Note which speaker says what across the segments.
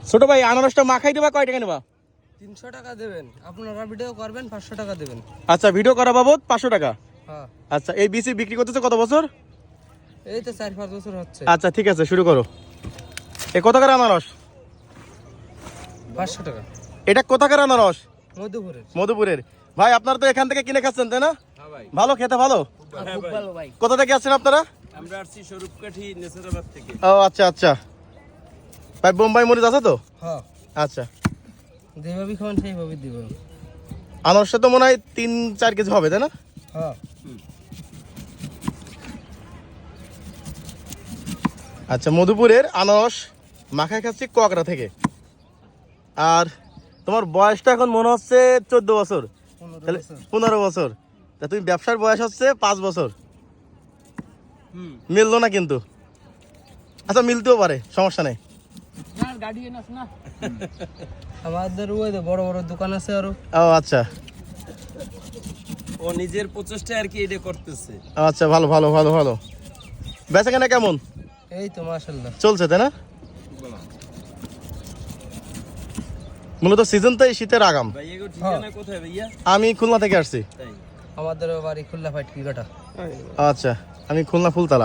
Speaker 1: ছোট ভাই আনারসটা মাখাই দেবা কয় টাকা নেবা?
Speaker 2: 300 টাকা দেবেন, আপনারা ভিডিও করবেন 500 টাকা দেবেন।
Speaker 1: আচ্ছা, ভিডিও করা বাবদ 500 টাকা।
Speaker 2: হ্যাঁ।
Speaker 1: আচ্ছা, এই বিসি বিক্রি করতেছে কত বছর?
Speaker 2: এই তো 4-5 বছর হচ্ছে।
Speaker 1: আচ্ছা ঠিক আছে, শুরু করো। এ কোথাকার আনারস?
Speaker 2: 500 টাকা।
Speaker 1: এটা কোথাকার আনারস?
Speaker 2: মধুপুরের।
Speaker 1: মধুপুরের। ভাই আপনারা তো এখান থেকে কিনে খাচ্ছেন তাই না?
Speaker 3: হ্যাঁ ভাই।
Speaker 1: ভালো, খেতে ভালো।
Speaker 2: খুব ভালো ভাই।
Speaker 1: কোথা থেকে আসছেন আপনারা?
Speaker 3: আমরা আসছি স্বরূপকাঠি নেসারাবাদ থেকে।
Speaker 1: ও আচ্ছা আচ্ছা। ভাই বোম্বাই মরিচ আছে তো?
Speaker 2: হ্যাঁ।
Speaker 1: আচ্ছা।
Speaker 2: যেভাবে খাবেন সেইভাবে দিব।
Speaker 1: আনারসটা তো মনে হয় 3-4 কেজি হবে তাই না?
Speaker 2: হ্যাঁ।
Speaker 1: আচ্ছা, মধুপুরের আনারস মাখায় খাচ্ছি কোয়াকড়া থেকে। আর তোমার বয়সটা এখন মনে হচ্ছে 14 বছর, 15 বছর। তা তুমি ব্যবসার বয়স হচ্ছে 5 বছর। মিললো না কিন্তু। আচ্ছা, মিলতেও পারে, সমস্যা নেই।
Speaker 2: আমাদের ওই বড় বড় দোকান আছে আরো।
Speaker 1: ও আচ্ছা
Speaker 3: ও নিজের প্রচেষ্টায় আর কি এটা করতেছে।
Speaker 1: আচ্ছা, ভালো ভালো ভালো ভালো। বেচা কেনা কেমন
Speaker 2: এই তো মাশাআল্লাহ
Speaker 1: চলছে তাই না? মূলত সিজন তো এই শীতের আগাম।
Speaker 3: ভাই এগো ঠিকানা কোথায় ভাইয়া?
Speaker 1: আমি খুলনা থেকে আসছি।
Speaker 3: তাই।
Speaker 2: আমাদের বাড়ি খুলনা ফাটকি কাটা।
Speaker 1: আচ্ছা, আমি খুলনা ফুলতলা।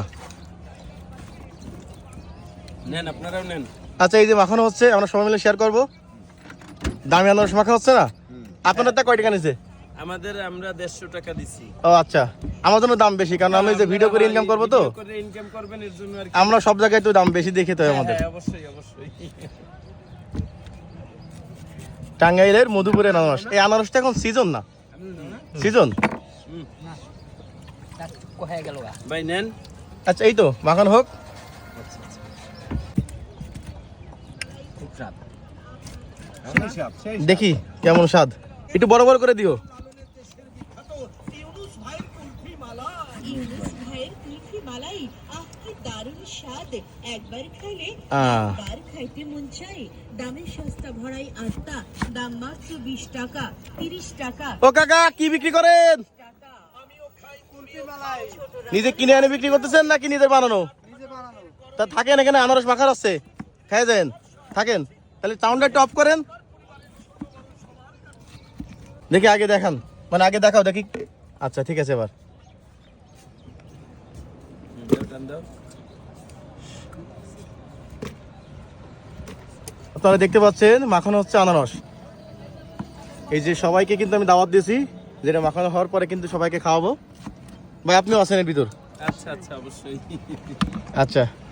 Speaker 3: নেন, আপনারাও নেন।
Speaker 1: আচ্ছা, এই যে মাখানো হচ্ছে, আমরা সবাই মিলে শেয়ার করবো। দামি আনারস মাখা হচ্ছে না? আপনাদের তা কয় টাকা নিছে?
Speaker 3: আমরা 150 টাকা দিছি।
Speaker 1: ও আচ্ছা, আমার জন্য দাম বেশি, কারণ আমি যে ভিডিও করে ইনকাম করবো তো।
Speaker 3: ভিডিও করে ইনকাম করবেন এর জন্য আর কি।
Speaker 1: আমরা সব জায়গায় তো দাম বেশি দেখে তো আমাদের।
Speaker 3: হ্যাঁ, অবশ্যই অবশ্যই।
Speaker 1: টাঙ্গাইলের মধুপুরের আনারস। এই আনারসটা এখন সিজন না? সিজন।
Speaker 2: কোথায় গেল?
Speaker 3: ভাই নেন।
Speaker 1: আচ্ছা, এই তো মাখানো হোক।
Speaker 2: খুব স্বাদ।
Speaker 1: দেখি কেমন স্বাদ, একটু বড় বড় করে দিও।
Speaker 4: ইউনুস ভাইয়ের কুলফি মালাই, আহ কি দারুণ স্বাদ! একবার খাইলে বারবার খাইতে মন চাই। দামে সস্তা ভরাই আস্তা, দাম মাত্র 20 টাকা, 30 টাকা।
Speaker 1: ও কাকা, কি বিক্রি করেন?
Speaker 4: আমিও খাই কুলফি মালাই।
Speaker 1: নিজে কিনে এনে বিক্রি করতেছেন নাকি নিজের বানানো? তা থাকেন এখানে, আনারস মাখার আছে, খাই যান, থাকেন। তাহলে সাউন্ডটা একটু অফ করেন দেখি, আগে দেখান, মানে আগে দেখাও দেখি। আচ্ছা ঠিক আছে, এবার আপনারা দেখতে পাচ্ছেন মাখানো হচ্ছে আনারস। এই যে সবাইকে কিন্তু আমি দাওয়াত দিয়েছি, যেটা মাখানো হওয়ার পরে কিন্তু সবাইকে খাওয়াবো। ভাই আপনিও আছেন এর ভিতর?
Speaker 3: আচ্ছা আচ্ছা, অবশ্যই।
Speaker 1: আচ্ছা।